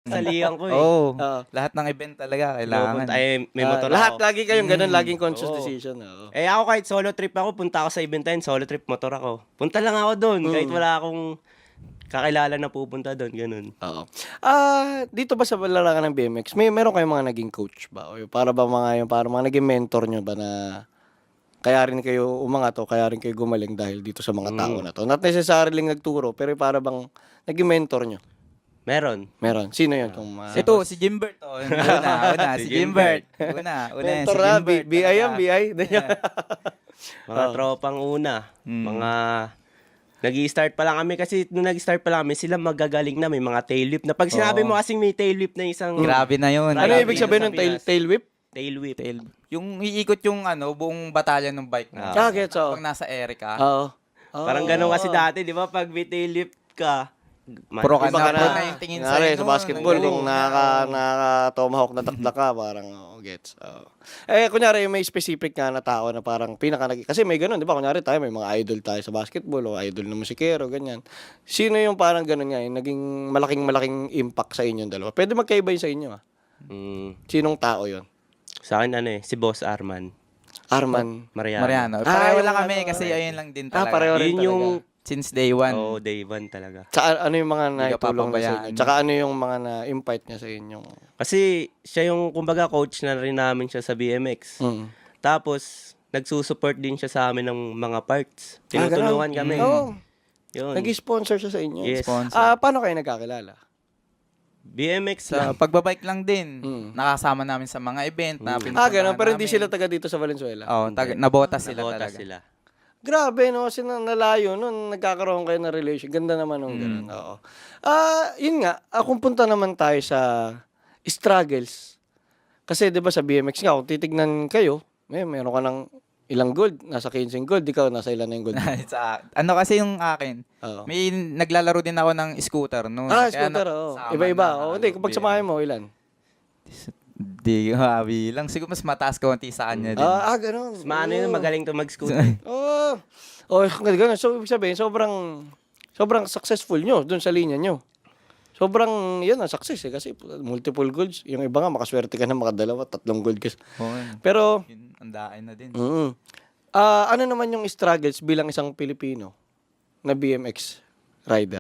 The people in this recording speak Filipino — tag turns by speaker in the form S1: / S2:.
S1: Salihan ko eh.
S2: Oo.
S3: Oo.
S2: Lahat ng event talaga kailangan.
S1: Pupunta, may motor
S3: Lahat
S1: ako.
S3: lagi kayong ganun, laging conscious
S1: Oo.
S3: decision. Oo.
S1: Eh ako kahit solo trip ako, punta ako sa event na yun, solo trip motor ako. Punta lang ako doon, kahit wala akong kakilala na pupunta doon, ganun.
S3: Oo. Dito ba sa larangan ng BMX, meron kayong mga naging coach ba? O para ba para mga naging mentor nyo ba na kaya rin kayo umangat o kaya rin kayo gumaling dahil dito sa mga tao na to? Not necessarily nagturo, pero para bang naging mentor nyo?
S1: Meron.
S3: Meron. Sino yun? Kung
S2: Ito, si Jimbert. Oh. Una, si Jimbert. Una yan,
S3: mentor
S2: si
S3: na,
S2: Jimbert.
S3: BI yan, BI.
S1: Mga tropang una. Mga nag-i-start pa lang kami kasi nung nag-start pa lang kami, sila magagaling na may mga tail whip na. Pag sinabi mo kasing may tail whip na isang
S2: Grabe na yun.
S3: Ano
S1: Grabe
S3: ibig
S1: yun
S3: sabihin
S1: sa
S3: ng
S1: Pinas.
S3: tail whip?
S1: tail whip.
S2: Yung iikot yung buong batalyon ng bike mo.
S3: Gets, oo.
S2: Pag nasa Erica.
S3: Oo.
S1: Parang ganun kasi dati, di ba? Pag may tail whip ka,
S2: Pro ka
S3: Iba ka
S2: pro
S3: na.
S2: na yung tingin
S3: Kunwari,
S2: sa'yo
S3: sa basketball,
S2: nun.
S3: kung naka-tomahawk na takda ka, parang, gets. Kunyari, may specific nga na tao na parang kasi may ganun, di ba? Kunyari tayo, may mga idol tayo sa basketball o idol na musikero, ganyan. Sino yung parang ganun nga, yung naging malaking impact sa inyong dalawa? Pwede magkaiba yun sa inyo, ah. Sinong tao yun?
S1: Sa akin, si Boss Arman.
S3: Arman.
S1: Mariano.
S2: Pareho
S3: yung
S2: lang kami
S3: ano,
S2: kasi ayun lang din talaga.
S3: pareho rin
S1: Yun
S3: talaga.
S1: yung,
S2: Since day one.
S1: day one talaga.
S3: Tsaka ano yung mga
S2: Hindi ka
S3: naitulong na sa
S2: papabayaan.
S3: inyo? Tsaka ano yung mga na-impart niya sa inyo?
S1: Kasi siya yung, kumbaga, coach na rin namin siya sa BMX. Tapos, nagsusupport din siya sa amin ng mga parts. Tinutulungan kami.
S3: Oo.
S1: Yun.
S3: Nag-sponsor siya sa inyo?
S1: Yes.
S2: Sponsor.
S3: Paano kayo nagkakilala?
S1: BMX
S2: Sa
S1: lang.
S2: pagbabike lang din. Nakasama namin sa mga event na pinupuntahan
S3: Ganun. Pero hindi
S2: namin.
S3: sila taga dito sa Valenzuela?
S2: Nabotas sila
S1: Nabota
S2: talaga.
S1: sila.
S3: Grabe, no? Kasi nalayo nun, nagkakaroon kayo ng relation. Ganda naman nung ganun. Oo. Yun nga, kung punta naman tayo sa struggles. Kasi 'di ba sa BMX nga, kung titignan kayo, meron ka ng ilang gold, nasa 15 gold, ikaw nasa ilan na yung gold?
S2: Ano kasi yung akin,
S3: Oo.
S2: may naglalaro din ako ng scooter noon.
S3: Scooter, oo. Iba-iba. Hindi, kung pagsamahin mo, ilan?
S2: Di lang. Siguro mas mataas konti sa kanya din.
S3: Ganun.
S1: Mas maano yun, magaling to mag-scooter.
S3: Ganun. So, ibig sabihin, sobrang successful nyo dun sa linya nyo. Sobrang, yun ang success eh. Kasi multiple golds. Yung iba nga, makaswerte ka na makadalawa, 3 gold ka. Pero,
S2: Yun, andain na din.
S3: ano naman yung struggles bilang isang Pilipino na BMX rider?